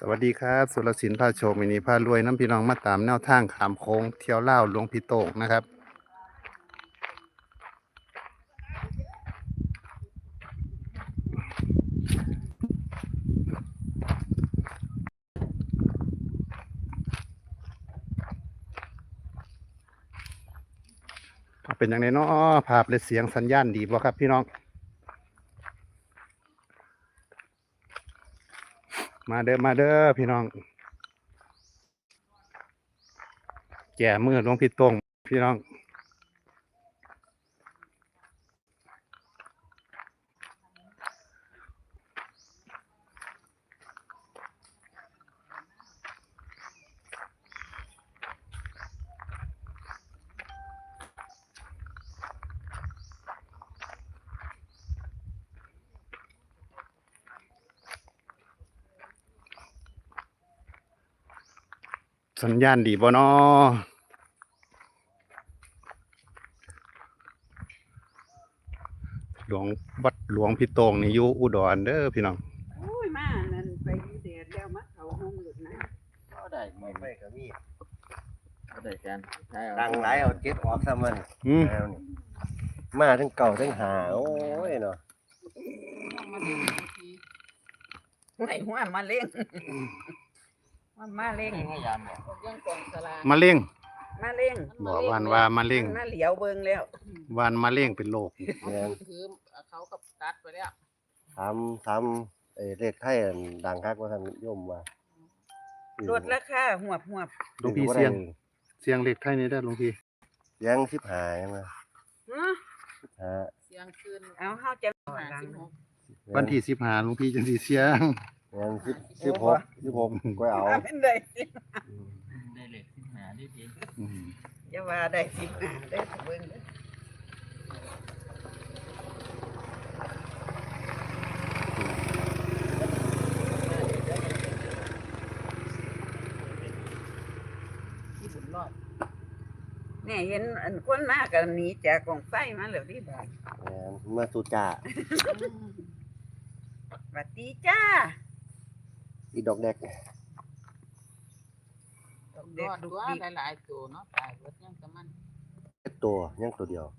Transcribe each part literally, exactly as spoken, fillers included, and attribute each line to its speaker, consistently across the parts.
Speaker 1: สวัสดีครับสุรศิลป์พาโชคมินีพารวยน้ำพี่น้องมาตามแนวทางขามโค้งเที่ยวเล่าวหลวงพี่โตกนะครับเป็นอย่างไรเนาะภาพและเสียงสัญญาณดีบ่ครับพี่น้องมาเด้อมาเด้อพี่น้องแก่มือหลวงพี่โตงพี่น้องสัญญาณดีบ่เนาะหลวงวัดหลวงพี่โตงนี่อยู่อุดรเด้อพี่น้อง
Speaker 2: โอ้ยมานั่นไปอยู่แดดแล้วมาเขาห้องหลุดนะ
Speaker 3: ก็ได้ไม่ไม่ก็มีก็ได้กัน
Speaker 4: ดังหลายเอาเก็บออกซะมัน
Speaker 1: อืม
Speaker 4: แล้วนี่มาทั้งเก่าทั้งหาโอ้ยเนาะ
Speaker 2: ไม่หัวมาเล่งว่ามาเล่ง
Speaker 3: พยายามบอก
Speaker 2: ยังกองสลา
Speaker 1: มาเล่ง
Speaker 2: มาเล่ง
Speaker 1: บอกวันว่ามาเล่ง
Speaker 2: มาเหลียวเบิ่งแล้ว
Speaker 1: วันมาเล่งเป็นโรค
Speaker 4: แม่น
Speaker 2: คือเขากับตัดไปแล้ว
Speaker 4: ทำทำเอ้เลขไทยอันดังคักว่าท่านโยมว่า
Speaker 2: ลดราคาหวบหวบ
Speaker 1: หลวงพี่เสียงเสียงเล็กไทยนี่ได้อหลวงพี่
Speaker 4: เสียงสิบหาใช่ไหม
Speaker 2: ฮะ
Speaker 4: สิบหา
Speaker 2: เสียงคืนเอาเฮาจะหาสิบหก
Speaker 1: วันที่สิบห้าหลวงพี่จังสิเสียง
Speaker 4: แม่นสิบสิบหกสิบหกก็เอา
Speaker 2: เป็นได้สิ
Speaker 3: ได้เหล็กขึ้นหาได้ดี
Speaker 1: อืม
Speaker 2: อย่าว่าได้สิบห้าได้เบิ่งเด้อ
Speaker 3: ที่บุญรอด
Speaker 2: เนี่ยเห็นอันคนมากันหนีจากกองไฟมาแล้วที่บ้าน
Speaker 4: แม่นมาสุจ่า
Speaker 2: สวัสดีจ้า
Speaker 4: อีดอกแดก
Speaker 2: เด็ก
Speaker 5: รอด
Speaker 2: ลูก
Speaker 5: ว่า
Speaker 2: ดี
Speaker 5: หลายๆตัวเนาะตายรถยังกับมัน
Speaker 4: ตัวยังตัวเดียว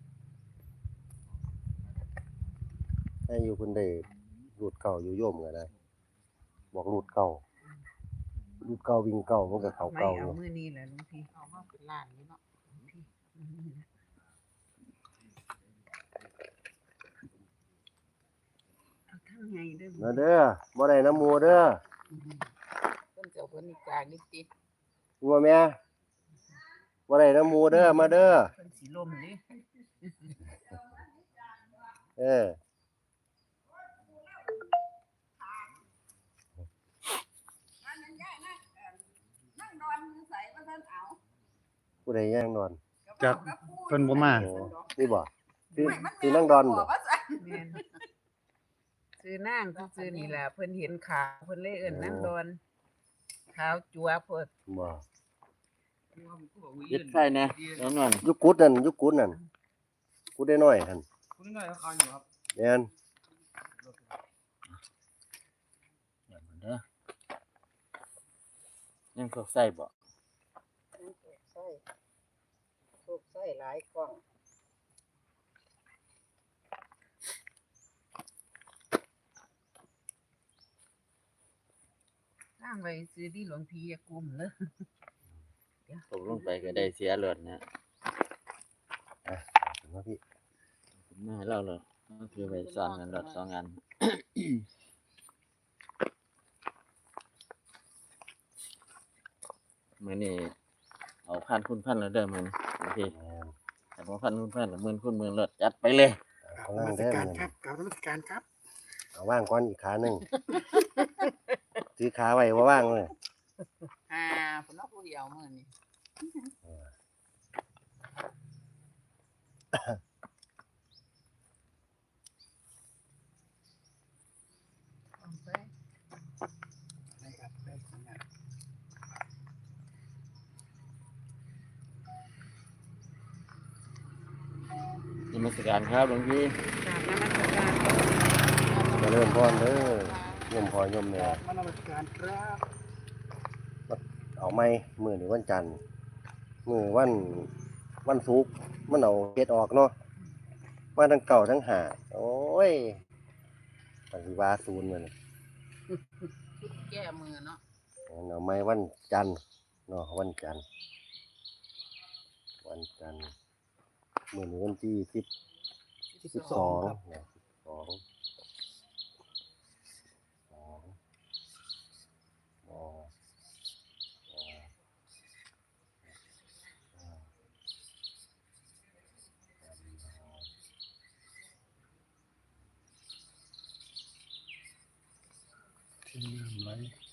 Speaker 4: ให้อยู่คนเดียวรูดเก่าอยู่โยมก็ได้บอกรูดเก่ารูดเก่าวิ่งเก่ามันก็เขา
Speaker 2: ไม่
Speaker 4: เก่าอ
Speaker 2: เอา
Speaker 4: ยู่
Speaker 2: มือนี้แหละลุงพี่
Speaker 5: เอามาเป็นล้านนี่เนาะ
Speaker 2: เอาทั้งไงเด้อ
Speaker 4: มาเด้อบ่ได้น้ำหมูเด้อ
Speaker 5: เพิ่นเจ้าเพิ่นนี่จากนี่ติ
Speaker 4: งัวแม่บ่ได้น้ำหมูเด้อมาเด้อ
Speaker 2: เพิ่นสิลมนี่
Speaker 4: เออ ผู้ใดย่างนอน
Speaker 1: จากเพิ่นบ่มา
Speaker 4: โอ้นี่บ่คือคือนั่งดอนบ่
Speaker 2: แม่นซื้อนางซื้อนี่ล่ะเพิ่นเห็นขาวเพิ่นเลยเอิ้นนางดอนขาวจัวเพิ่น
Speaker 4: บ่
Speaker 3: ยึดไฟนะแน่นอน
Speaker 4: ยุกุดนั่นยุกุดนั่นกุดได้น้อยหั่น
Speaker 3: คุณน้อยเขาอยู่ครับ
Speaker 4: แม่น
Speaker 3: เด้อยังพวกใส่บ่
Speaker 2: ใส่ถูกใส่หลายกล่องสร้างไว้ซื้อที่หลวงพี่อย่ากลุ่มเด้อ
Speaker 3: ตกลงไปก็ได้เสียเลือดนะ
Speaker 4: ถึงว่าพี่
Speaker 3: แม่เล่าเลยก็คือไปซ่อนกันรถสองอันมื้อนี้เอาพันคุณพันแล้วเด้อมื้อนี้โอเค
Speaker 4: แม่น
Speaker 3: แต่พอพันคุณพันแล้วหมื่นคุณหมื่นรถจัดไปเลย
Speaker 4: เอาล่างเด้อ
Speaker 1: การ
Speaker 4: มัน
Speaker 1: ครับกราบนมัสการครับ
Speaker 4: เอาว่างก่อนอีกขาหนึงถือขาไว้บ่ว่างเลย
Speaker 5: อ่าเพิ่นเอาผู้เดียวมื้อนี้
Speaker 2: เอาไป
Speaker 1: ได้ครับได้สัญญาณ
Speaker 3: นมัสการครับหลวงพี่
Speaker 2: กราบนมัสการ
Speaker 4: เจะเริ่มพรเด้อยมพอยมแม่
Speaker 6: มานมัสการครับ
Speaker 4: เอาไหมมื้อนี้วันจันทร์มื้อวันวันศุกร์มันเอาเฮ็ดออกเนาะมาทั้งเก่าทั้งหาโอ้ยมันสิว่าศูนย์มัน
Speaker 5: ชุดแก้มือเนาะ
Speaker 4: เอาไหมวันจันทร์เนาะวันจันทร์วันจันทร์มื้อนี้วันที่สิบ สิบสองนะสิบสองสองมอ
Speaker 1: ที่น้ำไหล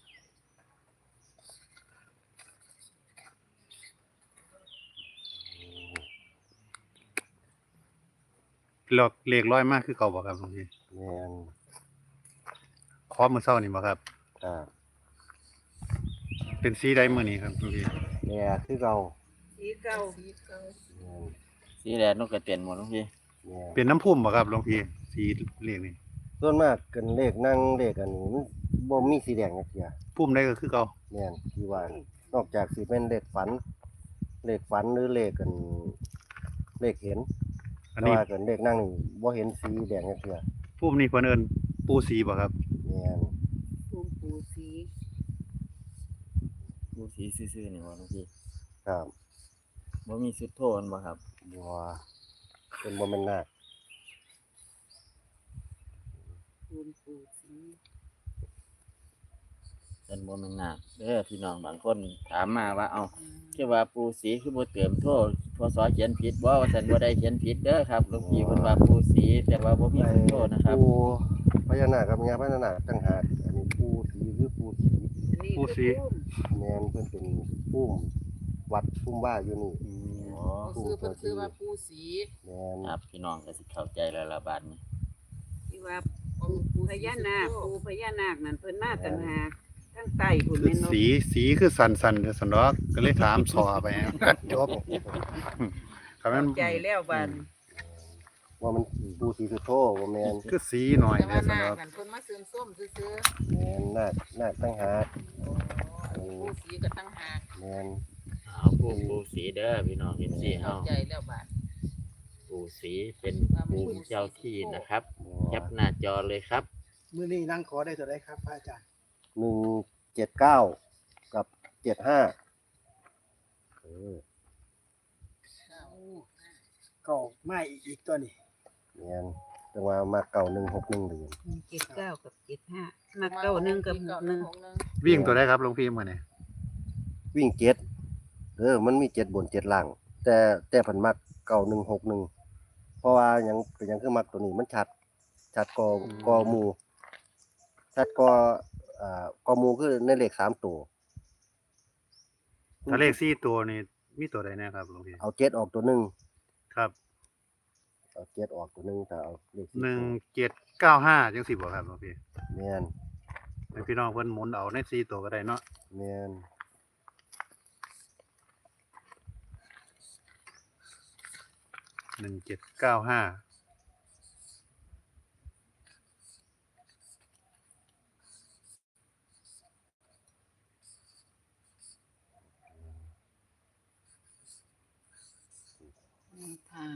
Speaker 1: หลอกเลขร้อยมากคือเก่าบ่ครับหลวงพี่
Speaker 4: แม่น
Speaker 1: ขอมื้อเช้านี่บ่ครับ
Speaker 4: ครับ
Speaker 1: เป็นสีใดมื้อนี้ครับหลวงพี่
Speaker 4: แม่คือเก่า
Speaker 2: สีเก่า
Speaker 5: สีเก่า
Speaker 4: แม่น
Speaker 3: สีแดงนกกระเตียนหมดทุกที
Speaker 4: แม่น
Speaker 1: เป็นน้ำพุ่มบ่ครับหลวงพี่สีเลขนี่
Speaker 4: ส่วนมากกันเลขนั่งเลขอันนี้มันบ่มีสีแดงจักเที่ย
Speaker 1: พุ่มใดก็คือเก่า
Speaker 4: แม่นที่ว่านอกจากสิเป็นเลขฝัน เลขฝันหรือเลขกันเลขเห็น
Speaker 1: อัน
Speaker 4: แต่
Speaker 1: นี้
Speaker 4: ว่ากันเลขนั่งนี่บ่เห็นสีแดงจักเที่ย
Speaker 1: พุ่มนี่เพิ่นเอิ้นปูสีบ่ครับ
Speaker 4: แม่น
Speaker 2: ภูมิปูสี
Speaker 3: ดูสีซื่อๆนี่บ่ทุกที
Speaker 4: ครับ
Speaker 3: บ่มีสุดโทนบ่ครับ
Speaker 4: บ่เป็นบ่แม่นนาค
Speaker 2: ภูมิปูสี
Speaker 3: เป็นบ่แม่นนาคเด้อพี่น้องบางคนถามมาว่าเอ้าคือว่าปูสีคือบ่เติมโทษพศเขียนผิดบ่ว่าซั่นบ่ได้เขียนผิดเด้อครับหลวงพี่เพิ่นว่าปูสีแต่ว่าบ่มีสุดโทษนะครับ
Speaker 4: ปูพญานาคกับญาพญานาคต่างหากอันนี้ปูสีคือปูสี
Speaker 2: อันนี้
Speaker 1: ปูสี
Speaker 2: คือภูมิ
Speaker 4: แม่นเพิ่นเป็นปุ้มวัดปุ้มว่าอยู่นี่
Speaker 3: อ๋อ
Speaker 5: เขาซื้อเพิ่นซื้อว่าปูสี
Speaker 4: แม่น
Speaker 3: ครับพี่น้องก็สิเข้าใจแล้วละบาดนี้
Speaker 2: ที่ว่า
Speaker 5: ของปู
Speaker 2: พญานาคปูพญานาคนั่นเพิ่นมาต่างหากทั้งใต้พุ่น
Speaker 1: คือ
Speaker 2: แม่นบ่
Speaker 1: สีสีคือสันๆเด้อซั่นดอกก็เลยถามสอไป จบครับมัน
Speaker 2: ใจแล้วบัด
Speaker 4: ว่ามันปูสีสุโธบ่แม่น
Speaker 1: คือสีหน่อย
Speaker 5: แต่
Speaker 1: เด้
Speaker 5: ว่า
Speaker 1: อซั่น
Speaker 5: หน้า
Speaker 1: ดอก
Speaker 5: กันเพิ่นมาซื้อส้มซื้อ
Speaker 4: แม่นนาคนาคต่างหาก
Speaker 5: ๆปูสีก็ตั้งหาก
Speaker 4: แม่น
Speaker 3: เอาปูปูสีเด้อพี่น้องเห็นสิ
Speaker 5: เข้า
Speaker 3: เฮา
Speaker 5: ใจแล้วบาด
Speaker 3: ปูสีเป็นปูเจ้าที่นะครับแคป
Speaker 4: บ่
Speaker 3: หน้าจอเลยครับ
Speaker 6: มื้อนี้นั่งขอได้ตัวใดครับพระอาจารย์
Speaker 4: หนึ่งเจ็ดเก้ากับเจ็ดห้าเออ
Speaker 6: ก็ไม่อีกตัวนี้
Speaker 4: แม่นจังว่ามาเก่าหนึ่งหกหนึ่งเดือน
Speaker 2: เจ็ดเก้ากับเจ็ดห้ามาเก้าหนึ่งกับหกหนึ่ง
Speaker 1: วิ่งตัวได้ครับหลวงพี่มื้อนี้
Speaker 4: วิ่งเจ็ดเออมันมีเจ็ดบนเจ็ดล่าง แต่แต่ผันมักเก่าหนึ่งหกหนึ่งเพราะว่าหยังเป็นหยังคือมักตัวนี้มันชัด ชัดกอกอหมูชัดกออ่ากอหมูคือในเลขสามตัว
Speaker 1: ถ้าเลขสี่ตัวนี่มีตัวใดแน่ครับหลวงพี่
Speaker 4: เอาเจ็ดออกตัวหนึ่ง
Speaker 1: ครับ
Speaker 4: เอาเจ็ดออกตัวหนึ่งแต่เอาเลขสี่
Speaker 1: หนึ่ง
Speaker 4: ตัว
Speaker 1: เจ็ดเก้าห้าจังสิบ่ครับหลวงพี่
Speaker 4: แม่น
Speaker 1: ให้พี่น้องเพิ่นหมุนเอาในสี่ตัวก็ได้เนาะ
Speaker 4: แม่น
Speaker 1: หนึ่งเจ็ดเก้าห้า
Speaker 5: ทาง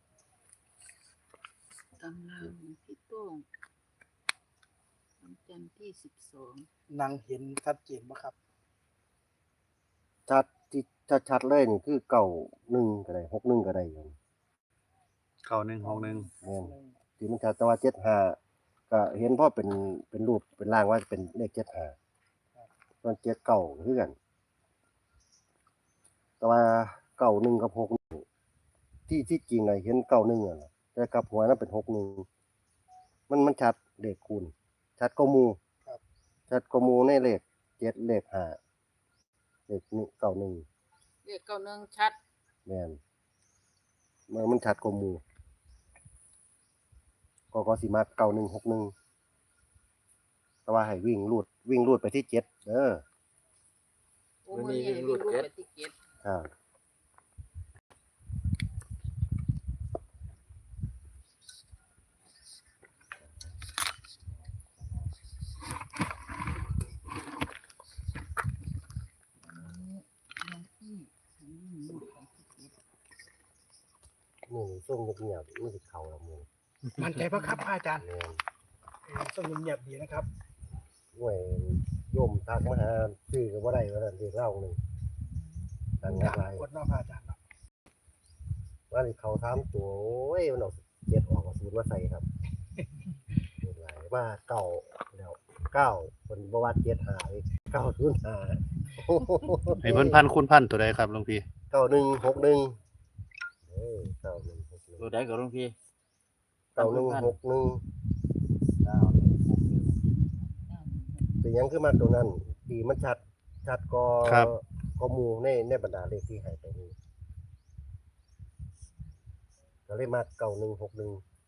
Speaker 5: กำลังพี่โต้งวันจันทร์ที่สิบสอง
Speaker 6: นั่งเห็นชัดเจนบ่ครับ
Speaker 4: ชัดที่ชัดชัดๆเลยนี่คือเก่าหนึ่งก็ได้หกหนึ่งก็ได้อยู่
Speaker 1: เก้าหนึ่งหกหนึ่ง
Speaker 4: แม่นที่มันชัดแต่ว่าเจ็ดห้าก็เห็นพ่อเป็นเป็นรูปเป็นร่างว่าเป็นเลขเจ็ดห้าตอนเจ็ดเก่าคือกัน แต่ว่าเก่าหนึ่งกับหกหนึ่งที่ที่จริงไงเห็นเก่าหนึ่งอ่ะนะแต่กลับหัวนั้นเป็นหกหนึ่งมันมันชัดเลขคูณชัดกว่าหมูชัดกว่าหมูในเลขเจ็ดเลขห้าเลขนี่เก่าหนึ่ง
Speaker 5: เลขเก้าหนึ่งชัด
Speaker 4: แม่นมันมันชัดกว่าหมูก็ก็สิมาเก่าหนึ่งหกหนึ่งแต่ว่าให้วิ่งรูดวิ่งรูดไปที่เจ็ดเด้อ
Speaker 5: โอ้มือนี้ให้วิ่งรูดไปที่เก็ด
Speaker 4: ครับ
Speaker 5: เ
Speaker 4: มือส่งเงียบๆมือสิเขาละมือ
Speaker 6: มั่นใจปะครับพระอาจารย์
Speaker 4: แม่น
Speaker 6: เออต้องเงียบๆดีนะครับ
Speaker 4: ห่วยโยมทักมาหาชื่อก็บ่ได้ว่านั่นเรียกเล่าหนึงตั้ง
Speaker 6: ดัง
Speaker 4: หลาย
Speaker 6: กดเนอกพระอาจารย์เนาะ
Speaker 4: ว่าสิเขาถามตัวโอ้ยมันเอาเจ็ดออกเอาศูนย์มาใส่ครับเรียกหลายว่าเก้าแล้วเก้าเพิ่นบ่ว่าเจ็ดหาอีกเก้าศูนย์ห้า
Speaker 1: ให้เพิ่นพันคุณพันตัวใดครับหลวงพี่
Speaker 4: เก้าหนึ่งหกหนึ่งเออเก้าหนึ่งหกหนึ่ง
Speaker 3: ตัวใดก็หลวงพี่
Speaker 4: เก้าหนึ่งหกหนึ่ง
Speaker 3: เก้าหนึ่งหกหนึ่ง
Speaker 4: เป็นหยังคือมาตัวนั้นดีมันชัดชัดก็
Speaker 1: ครับ
Speaker 4: ก็หมู่ในในบรรดาเลขที่ให้ไปนี่ก็เลยมาเก้าหนึ่งหกหนึ่ง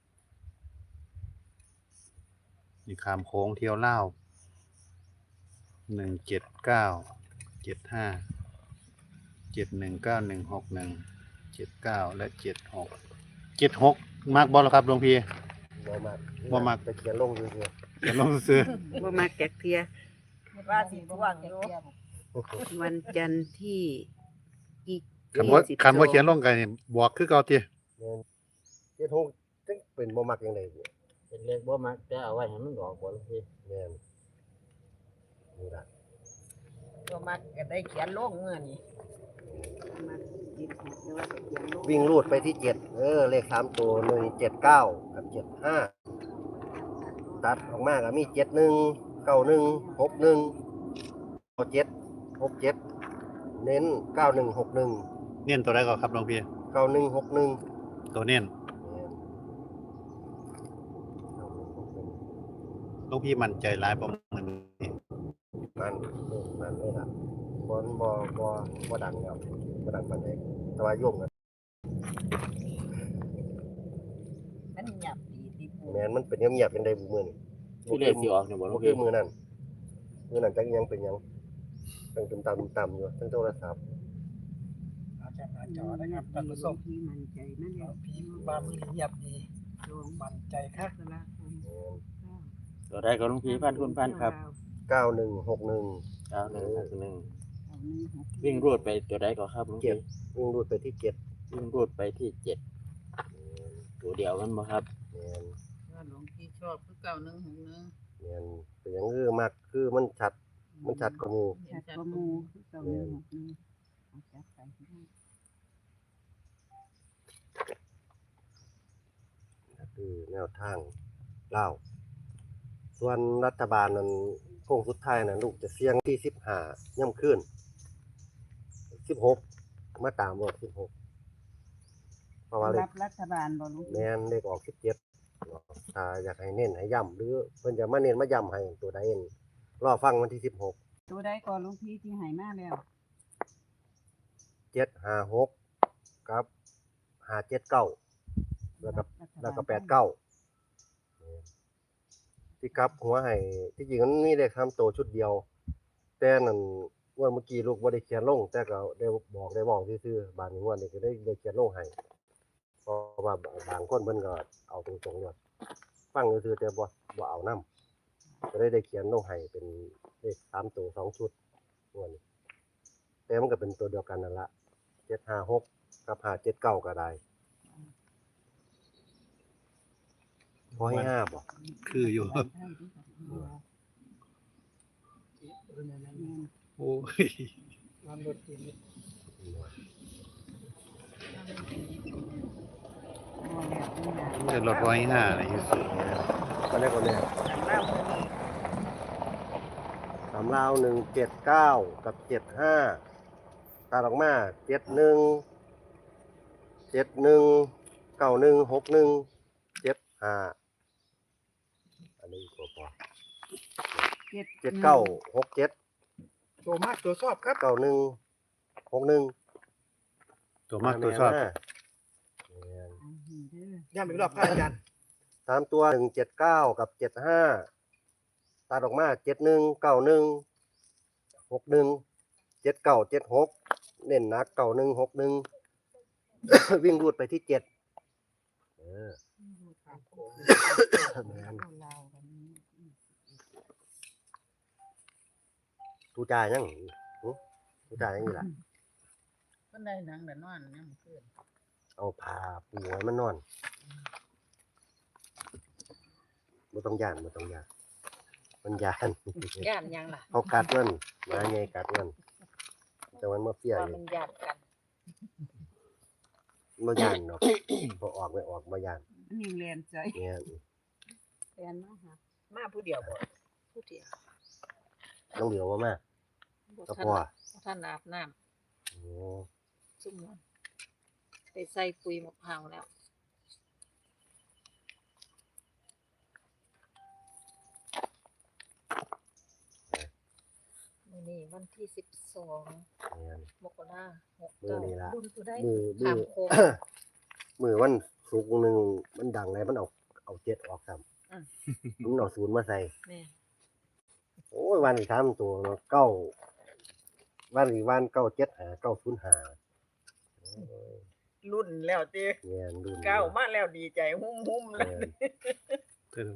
Speaker 1: นี่ขามโค้งเที่ยวเล่าวหนึ่งเจ็ดเก้าเจ็ดห้าเจ็ดหนึ่งเก้าหนึ่งหกหนึ่งเจ็ดเก้าและเจ็ดหกเจ็ดหกมากบอลครับหลวงพี่
Speaker 4: บ่มาก
Speaker 1: บ่มัก
Speaker 4: ไปเขียนลงอยู่เดียว
Speaker 1: เดี๋ยวลองซื้อ
Speaker 2: บ่มาแกกเทีย ว่าสิท่วงอยู่ วันจันทร์ที่อีก
Speaker 1: คำว่า
Speaker 2: ยี่สิบ
Speaker 1: คำว่า
Speaker 2: สอง
Speaker 1: เขียนลงกันนี่บวกคือเก่าติ
Speaker 4: แม่นเจ็ดหกจังเป็นบ่มักจังได๋
Speaker 3: เป็นเลขบ่มักแต่เอาไว้ให้มันออกบ่หลวงพี่
Speaker 4: แม่นนี่ล่ะ
Speaker 2: บ่มักก็ได้เขียนลงเมื่อนี้มาหยิบหยิบแล้วว่าจะเขียนลง
Speaker 4: วิ่งรูดไปที่เจ็ดเออเลขสามตัวหนึ่งเจ็ดเก้ากับเจ็ดห้าตัดออกมาก็มีเจ็ดหนึ่งเก้าหนึ่งหกหนึ่งเจ็ดหกเจ็ดเน้นเก้าหนึ่งหกหนึ่ง
Speaker 1: เน้นตัวใดก่อนครับหลวงพี่
Speaker 4: เก้าหนึ่งหกหนึ่ง
Speaker 1: ตัวเน้นหลวงพี่มั่นใจหลายประมาณนี้
Speaker 4: มันมันเลยล่ะบอลบอบอบอดังครับบอดังปานใดแต่ว่าโยมกัน
Speaker 2: มันหยับดีที่ปู
Speaker 4: แม่นมันเป็นเงียบๆเป็นใดบุมือนี่
Speaker 3: ที่เลขสิออกเนี่ยบ่หลว
Speaker 4: บ่
Speaker 3: ง
Speaker 4: คื
Speaker 3: พี่
Speaker 4: อมือนั่นมือนั่นจักยังเป็นหยังตั้งตุ่มตามตุ่มตามอยู่ตั้งโทรศัพท์
Speaker 6: อาจารย์หน้าจอนะครับท่านผู้ชม
Speaker 2: ที่มันใจนั่นแหละ
Speaker 6: พี่บามือเงียบดีมั่นใจครับ
Speaker 2: สละคม
Speaker 4: แม่น
Speaker 3: ตัวใดก็หลวงพี่พันคุณพันครับ
Speaker 4: เก้าหนึ่งหกหนึ่ง
Speaker 3: เก้าหนึ่งหกหนึ่ง
Speaker 2: เอาหนึ่งหก
Speaker 3: วิ่งรูดไปตัวใดก็ครับหลวง
Speaker 4: เจ็
Speaker 3: พี่
Speaker 4: ดวิ่งรูดไปที่เจ็ด
Speaker 3: วิ่งรูดไปที่เจ็ดตัวเดียวกันบ่ครับ
Speaker 4: แม่น
Speaker 5: ว่าหลวงพี่ชอบคือเก้าหนึ่งหกหนึ่ง
Speaker 4: แม่นเป็นหยังคือมากคือมันชัดมันชัดกว่าหมู่
Speaker 2: ชัดกว่าหมูคือเก่าหนึ่งหกหนึ่งเอาจับไปให้ได้
Speaker 4: คือแนวทางเล่าวส่วนรัฐบาลนั้นโค้งสุดท้ายนะลูกจะเสี่ยงที่สิบห้าย่ำขึ้นสิบหกมาตามบอกสิบหกเพราะว่าเล
Speaker 2: รั
Speaker 4: ข
Speaker 2: บรัฐบาลบ่ลูก
Speaker 4: แม่นเลขออกสิบเจ็ดถ้าอยากให้เน้นให้ย่ำหรือเพิ่นจะมาเน้นมาย่ำให้ตัวใดเองรอฟังวันที่สิบหก
Speaker 2: ตัวใดก่อนลุงพี่ที่ให้มาแล้ว
Speaker 4: เจ็ดห้าหกกับห้าเจ็ดเก้าแล้วก็ แล้วก็แปดเก้าที่กลับหัวให้ที่จริงมันมีเลขสามตัวชุดเดียว แต่นั่นงวดเมื่อกี้ลูกบ่ได้เขียนลง แต่ก็ได้บอกได้บอกซื่อๆบางงวดนี่ก็ได้ได้เขียนลงให้เพราะว่าบางคนเพิ่นก็เอาตรงๆเลยฟังซื่อๆแต่บ่บ่เอานํก็ได้ได้เขียนลงให้เป็นเลขสามตัวสองชุดงวดนี้แต่มันก็เป็นตัวเดียวกันนั่นล่ะเจ็ดห้าหกกับห้าเจ็ดเก้าก็ได้พอให้ห้าบ่
Speaker 1: คืออยู่ โอ้ย
Speaker 6: มันรถเกียร์
Speaker 1: เดือดรถร้อยห้าอะไรอยู่สิ
Speaker 4: ก็ได้คนแรก
Speaker 2: เล่าคนนี้
Speaker 4: สามลาวหนึ่งเจ็ดเก้ากับเจ็ดห้าตาดออกมาเจ็ดหนึ่งเจ็ดหนึ่งเก้าหนึ่งหกหนึ่งเจ็ดห้าอันนี้พอพอ
Speaker 2: เจ็ด
Speaker 4: เจ็ดเก้าหกเจ็ด
Speaker 6: ตัวมากตัวชอบครับ
Speaker 4: เก้าหนึ่งหกหนึ่ง
Speaker 1: ตัวมากตัวชอบ
Speaker 6: ย้ำอีกรอบพระอาจารย์
Speaker 4: สามตัวหนึ่งเจ็ดเก้ากับเจ็ดห้าตาดออกมาเจ็ดหนึ่งเก้าหนึ่งหกหนึ่งเจ็ดเก้าเจ็ดหกเน้นหนักเก้าหนึ่งหกหนึ่ง วิ่งรูดไปที่เจ็ดเออแม่นตูจ่ายยังหึตูจ่ายยังนี่ล่ะ
Speaker 5: เพิ่นได้หนังแต่นอนเนี่ยมันขึ้น
Speaker 4: เอาผ้าปูให้มันนอนบ่ต้องย่านบ่ต้องย่านมันย่าน
Speaker 5: ย่านยังล่ะ
Speaker 4: เขากัดมันหมาใหญ่กัดมันแต่มันมาเฟี้ย
Speaker 5: ว่า
Speaker 4: อยู่
Speaker 5: มันญาติกัน
Speaker 4: บ่ย่านเนาะ บ่ออกไม่ออกบ่ย่าน
Speaker 2: นี่เรียนใจ
Speaker 4: เนี่ย
Speaker 5: แฟนมาหา
Speaker 2: มาผู้เดียวบ่
Speaker 5: ผู้เดียว
Speaker 4: น้องเดียวว่ามา
Speaker 5: บ่
Speaker 4: ก็
Speaker 5: ทัน
Speaker 4: พอ
Speaker 5: บ่ทันอาบน้ำ
Speaker 4: โอ้
Speaker 5: ซุ่มนั้นไปใส่ปุ๋ยมะพร้าวแล้วมื้อนี้วันที่สิบสอง
Speaker 4: เนี่ย
Speaker 5: มกราหก
Speaker 4: มื้อ
Speaker 5: เก้า
Speaker 4: นี้ล่ะ
Speaker 5: บุญตัวได้
Speaker 4: มือมื
Speaker 5: ถา
Speaker 4: อ
Speaker 5: มโคง
Speaker 4: มือวันศุกร์หนึงมันดังเลยมันเอาเอาเจ็ดออกซ้ำ
Speaker 5: อืม
Speaker 4: มันเอาศูนย์มาใส่
Speaker 5: แม่
Speaker 4: โอ้ยวันอีกสามตัวเนาะเก้าวันอีกวันเก้าเจ็ดหาเก้าศูนย์หา
Speaker 2: รุ่นแล้วติ
Speaker 4: เนี่ยรุ่น
Speaker 2: เก้ามาแล้วดีใจหุ่มๆแล้ว
Speaker 4: เนี่ย
Speaker 1: เติม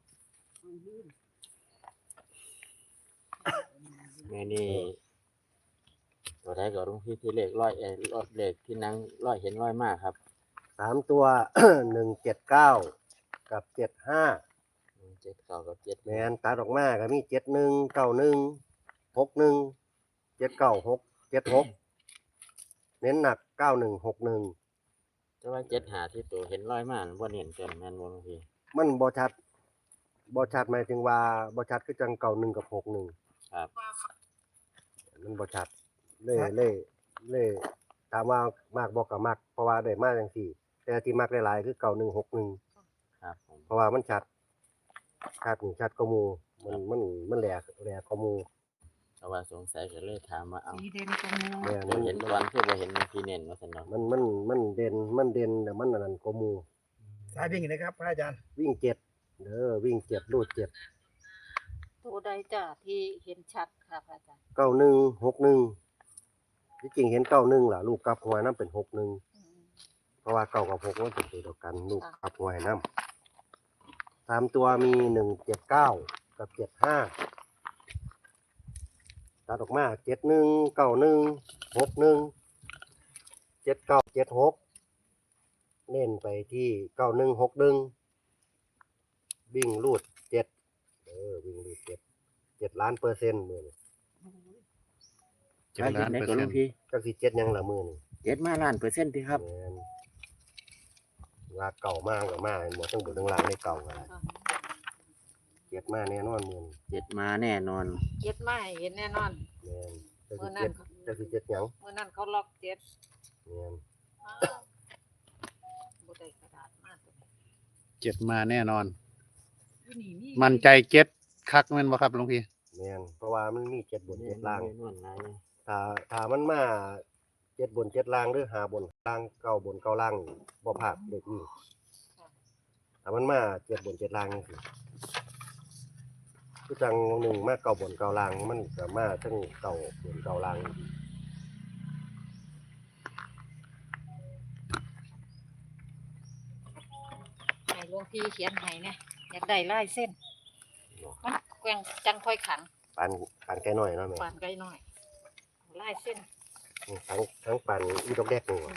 Speaker 3: แม่นี่ตัวใดก็ลุงพี่ที่เลขร้อยเอ่อรถเลขที่นั่งร้อยเห็นร้อยมากครับ
Speaker 4: สามตัว หนึ่งเจ็ดเก้ากับเจ็ดห้า
Speaker 3: เจ็ดเก้ากับเจ็ด
Speaker 4: แมนตัดออกมาก็มีเจ็ดหนึ่งเก้าหนึ่งหกหนึ่งเจ็ดเก้าหกเจ็ดหกเน้นหนักเก้าหนึ่งหกหนึ่ง
Speaker 3: แต่ว่าเจ็ดหาที่ตัวเห็นร้อยมากบ่เห็นเกินแม่นบ่ลุงพี่
Speaker 4: มันบอชัดบอชัดหมายถึงว่าบอชัดคือจังเก้าหนึ่งกับหกหนึ่ง
Speaker 3: ครับ
Speaker 4: มันบอชัดเล่เล่เล่ถามว่ามากบอกกับมากเพราะว่าได้มากจังสี่ แต่ที่มากหลายๆคือเก้าหนึ่งหกหนึ่ง
Speaker 3: ครับผม
Speaker 4: เพราะว่ามันชัดชัดนี่ชัดก็มูมันมันมันแหลกแหลกก็มู
Speaker 3: เพราะว่าสงสัยก็เลยถามว่าเอา
Speaker 2: สีเด่นกว่าหมู่
Speaker 4: แม่น
Speaker 3: บ่
Speaker 4: มัน
Speaker 3: เห็นก่อนคือบ่เห็นลุงพี่เน้นว่าซั่นเนาะ
Speaker 4: มันมันมันเด่นมันเด่นแต่มันอันนั้นก็มู
Speaker 6: สายวิ่งนะครับพระอาจารย์
Speaker 4: วิ่งเจ็ดเด้อวิ่งเจ็ดรูดเจ็ด
Speaker 5: ตัวใดจ้ะที่เห็นชัดค่ะพระอาจารย์
Speaker 4: เก้าหนึ่งหกหนึ่งที่จริงเห็นเก้าหนึ่งล่ะลูกกลับหัวน้ำเป็นหกหนึ่ง
Speaker 5: อืม
Speaker 4: เพราะว่าเก้ากับหกมันเป็นตัวเดียวกันลูกกลับหัวให้น้ำสามตัวมีหนึ่งเจ็ดเก้ากับเจ็ดห้าตัดออกมาเจ็ดหนึ่งเก้าหนึ่งหกหนึ่งเจ็ดเก้าเจ็ดหกเน้นไปที่เก้าหนึ่งหกหนึ่งวิ่งรูดเจ็ดเออวิ่งรูดเจ็ดเจ็ดล้านเปอร์เซ็นต์มือนี่
Speaker 1: เจ็ดล้าน
Speaker 3: ได้
Speaker 1: เปอร์
Speaker 3: ก็
Speaker 1: เซ็
Speaker 3: ลุ
Speaker 1: น
Speaker 3: ง
Speaker 1: ต์
Speaker 3: พี่
Speaker 4: จักสิเจ็ดยังละมือนี่
Speaker 3: เจ็ดมาล้านเปอร์เซ็นต์ที่ครับ
Speaker 4: แม่นว่าเก่ามากกับมากหมดทั้งบนทั้งล่างในเก่ากัน
Speaker 5: ค่ะ
Speaker 4: เจ็ดมาแน่นอนมือนี่
Speaker 3: เจ็ดมาแน่นอน
Speaker 5: เจ็ดมาให้เห็นแน่นอน
Speaker 4: แม่นจัก
Speaker 5: เมื่
Speaker 4: สิ
Speaker 5: อนั้
Speaker 4: เจ็
Speaker 5: น
Speaker 4: ดจักสิเจ็ดหยัง
Speaker 5: เมื่อนั้นเขาล็อกเจ็ด
Speaker 4: แม่น
Speaker 5: อ้าวบ่ได้กระดาษมากตัวนี้
Speaker 1: เจ็ดมาแน่นอน
Speaker 2: อยู่นี่มี
Speaker 1: มั่นใจเจ็ดคักแม่นบ่ครับหลวงพี่
Speaker 4: แม่นเพราะว่ามันมีเจ็ดบนเจ็ดล่าง
Speaker 3: แน่นอนหลาย
Speaker 4: ถ้าถ้ามันมาเจ็ดบนเจ็ดล่างหรือหาบนล่างเก้าบนเก้าล่างบ่พลาดเด็กนี่ถ้ามันมาเจ็ดบนเจ็ดล่างนี่สิคือจังหนึ่งมาเก้าบนเก้าล่างมันก็มาทั้งเก้าบนเก้าล่าง
Speaker 5: ให้หลวงพี่เขียนให้เนี่ยอยากได้ลายเส้น มันแกว่งจังค่อยขัน
Speaker 4: ปานปานแก่น้อยเนาะแม่
Speaker 5: ปานไกลหน่อยลายเส้น
Speaker 4: ทั้งทั้งปานอีดอกแดกนี่ว่ะ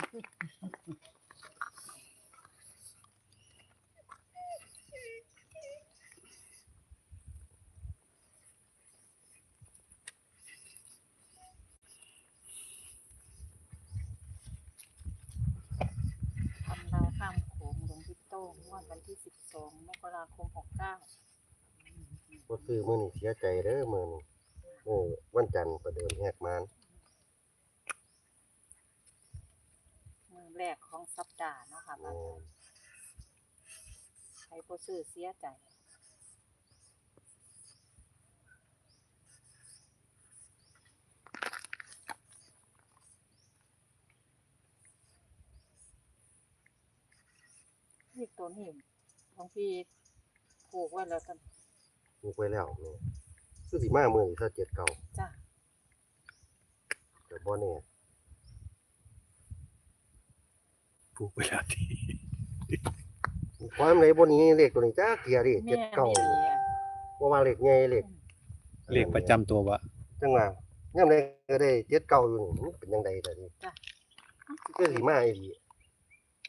Speaker 5: ทำดาวข้ามโขงหลวงพี่โต้งงวดวันที่สิบสองมกราคมหกเก้า
Speaker 4: บ่ซื้อมื้อนี้เสียใจเด้อมื้อนี้โอ้วันจันทร์ประเดิมแหกมาน
Speaker 5: มือแรกของสัปดาห์เนาะค่ะ
Speaker 4: แม่น
Speaker 5: ใครบ่ซื้อเสียใจนี่ตัวนี้หลวงพี่ผูกไว้แล้วกัน
Speaker 4: มีไว้แล้วแม่คือสิมามื้อนี้ซะเจ็ดเก้า
Speaker 5: จ้ะ
Speaker 4: แต่บ่แน่
Speaker 1: ผูกไปแล้วที
Speaker 4: ความไหนบ่หนี้เลขตัวนี้จักเที่ยดิ
Speaker 5: แม่
Speaker 4: เจ็ดเก้า
Speaker 5: ไม่ดีอะ
Speaker 4: บ่ว่าเลขใหญ่เลข
Speaker 1: เลขประจำตัวบ่
Speaker 4: จังว่ายามใดก็ได้เจ็ดเก้าอยู่นี่มันเป็นจังได๋ล่ะนี่คือสิมาอีหลี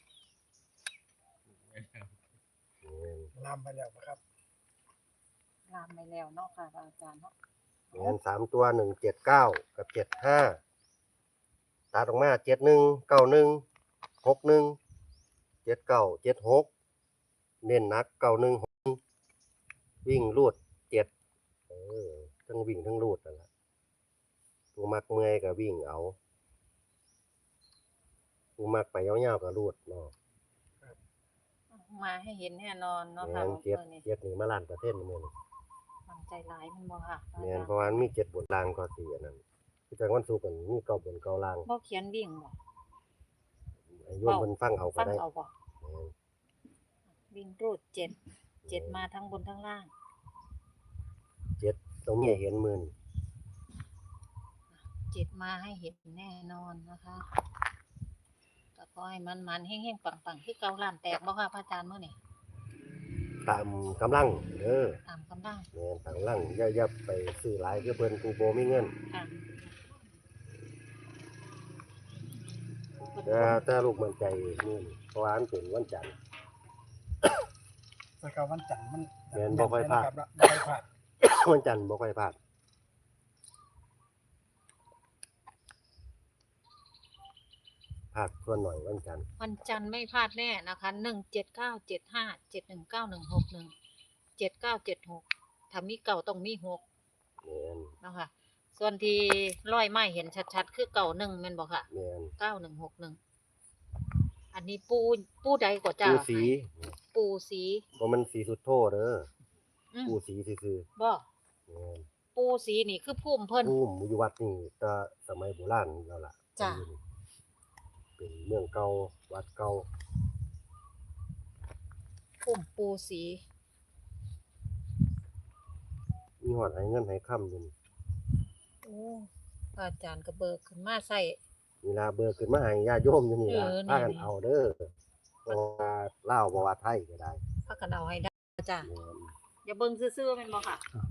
Speaker 6: ลามไปแล้วนะครับ
Speaker 5: ลามไปแล้วเนาะค่ะอาจารย์เนาะ
Speaker 4: แม่นสามตัวหนึ่งเจ็ดเก้ากับเจ็ดห้าตัดออกมาเจ็ดหนึ่งเก้าหนึ่งหกหนึ่งเจ็ดเก้าเจ็ดหกเน้นหนักเก้าหนึ่งหกวิ่งรูดเจ็ดเออทั้งวิ่งทั้งรูดนั่นแหละผู้มักเมื่อยก็วิ่งเอาผู้มักไปยาวๆก็รูดเนาะ
Speaker 5: มาให้เห็นแน่นอนเนาะ
Speaker 4: แม่
Speaker 5: ค่ะ
Speaker 4: น
Speaker 5: มื้
Speaker 4: เจ็ด
Speaker 5: อนี้
Speaker 4: เจ็ดนี่มาล้านเปอร์เซ็นต์มื้อนี้
Speaker 5: มันใจหลายมันบ่ค่ะอา
Speaker 4: แม่น
Speaker 5: จารย์
Speaker 4: เพราะว่ามันมีเจ็ดบนล่างก็สิอันนั้นคือจังวันศุกร์มันมีเก้าบนเก้าล่าง
Speaker 5: บ่เขียนวิ่งบ่
Speaker 4: ให้โยมเพิ่นฟังเอาก็
Speaker 5: ฟัง
Speaker 4: ได้
Speaker 5: เอาบ่
Speaker 4: แม่น
Speaker 5: วิ่งรูดเจ็ดเจ็ดมาทั้งบนทั้งล่าง
Speaker 4: เจ็ดตรงนี้เห็นมื้อนี้
Speaker 5: เจ็ดมาให้เห็นแน่นอนนะคะก็ขอให้มันมันๆเฮงๆปังๆคือเก่าล้านแตกบ่ค่ะพระอาจารย์มื้อนี้
Speaker 4: ตามกำลังเด้อ
Speaker 5: ตามกำลัง
Speaker 4: แม่นตามกำลังอย่าอย่าไปซื้อหลายคือเพิ่นกูบ่มีเงิน
Speaker 5: ค่ะ
Speaker 4: แต่แต่ลูกมั่นใจมื้อนี้เพราะว่ามันเป็นวันจันทร์
Speaker 6: แล้วก็วันจันทร์มัน
Speaker 4: แม่นบ่ค่อยพลาด
Speaker 6: นะครับบ่ค่อยพลาด
Speaker 4: วันจันทร์บ่ค่อยพลาดพลาดส่วนหน่อยวันจันทร์
Speaker 5: วันจันทร์ไม่พลาดแน่นะคะหนึ่งเจ็ดเก้าเจ็ดห้าเจ็ดหนึ่งเก้าหนึ่งหกหนึ่งเจ็ดเก้าเจ็ดหกถ้ามีเก่าต้องมีหก
Speaker 4: แม่น
Speaker 5: นะคะส่วนที่ร้อยไม้เห็นชัดๆ คือเก่าหนึ่งแม่นบอกค่ะ
Speaker 4: แม่น
Speaker 5: เก้าหนึ่งหกหนึ่งอันนี้ปูปูใดกว่าจ้า
Speaker 4: ปูสี
Speaker 5: ปูสี
Speaker 4: บ่มันสีสุดโทเด้อ
Speaker 5: อืม
Speaker 4: ปูสีซื่อ
Speaker 5: บ่
Speaker 4: ๆแม่น
Speaker 5: ปูสีนี่คือพุ่มเพิ่น
Speaker 4: ภูมิอยู่วัดนี่แต่สมัยโบราณแล้วล่ะ
Speaker 5: จ้ะ
Speaker 4: เป็นเมืองเก่าวัดเก่า
Speaker 5: พุ่มปูสี
Speaker 4: มีฮอดให้เงินให้ค่ำอยู่นี่
Speaker 5: โอ้พระอาจารย์ก็เบิกขึ้นมาใส่
Speaker 4: เวลาเบิกขึ้นมาให้ญาติโยมอยู่นี่ล่ะ
Speaker 5: เออนี่
Speaker 4: พากันเอาเด้อบ่ว่าลาวบ่ว่าไทยก็ได้
Speaker 5: พักกระเดาให้ได้จ้ะ
Speaker 4: แม่น
Speaker 5: อย่าเบิ่งซื่อๆแม่นบ่ค่ะ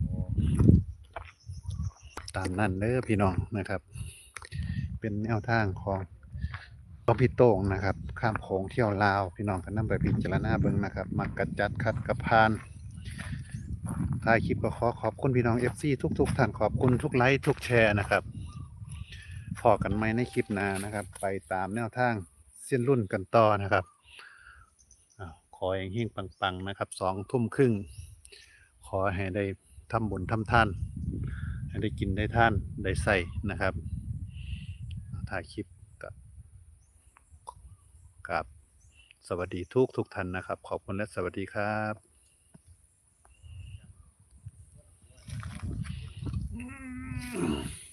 Speaker 1: ตามนั้นเด้อพี่น้องนะครับ เป็นแนวทางของของพี่โต้งนะครับ ข้ามโขงเที่ยวลาวพี่น้องก็นำไปพิจารณาเบิ่งนะครับ มักกัดจัดคัดกับพานท้ายคลิปก็ขอขอบคุณพี่น้อง เอฟ ซี ทุกๆท่านขอบคุณทุกไลค์ทุกแชร์นะครับพอกันไหมในคลิปหน้านะครับ ไปตามแนวทางเส้นรุ่นกันต่อนะครับอ้าวขอให้เฮงๆปังๆนะครับสองทุ่มครึ่งขอให้ได้ทำบุญทำทานให้ได้กินได้ท่านได้ใส่นะครับถ่ายคลิปกับกับสวัสดีทุกทุกท่านนะครับ ขอบคุณและสวัสดีครับ